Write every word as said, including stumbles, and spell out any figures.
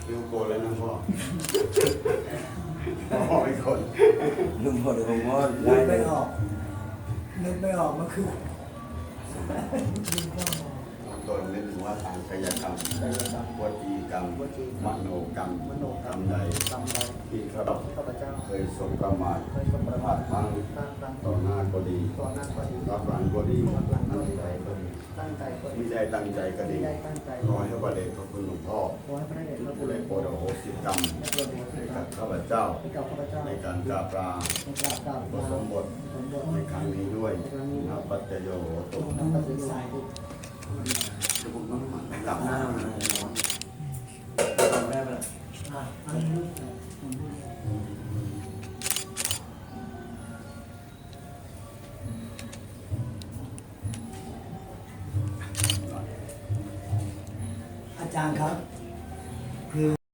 คิวโกนแล้วนะพ่อพ่อไม่คนลุงพอเดี๋ยวผมว่านึได้กเลไม่ยออกนึกไม่ออกเมื่อคืนนึกไม่ออกตนนึกถึงว่าทางกายกรรมวจีกรรมมโนกรรมมโนกรรมใดกรรมใดที่ข้าพข้าพเจ้าเคยสบประมาทเคยสมประพมาลาทดพลั้งตั้งตั้งต่อหน้าก็ดีต่อหน้าก็ดีรับหลังก็ดีรับหลังก็ตั้งดีใจก็ดีตั้งใจก็ดีไม่ได้ตั้งใจก็ไม่ดีได้ตั้งใจขอให้พระเดชพระคุณหลวงพ่อขอให้พระเดชพระคุผู้ณได้โปรดอโหสิกรรมและโปรดโปรดให้ให้กักับบ ข้าพเจ้าให้กับข้าพเจ้าในการกราบลาในกราบกราบอุปสมบทสมบทในครั้งนี้ด้วยนับปัจจโยโหตุน้ำตาสิสายทุกจะบุกน้ำมันกลับหน้าทำได้ไหมล่ะอ่ะอันนี้อาจารย์ครับคือ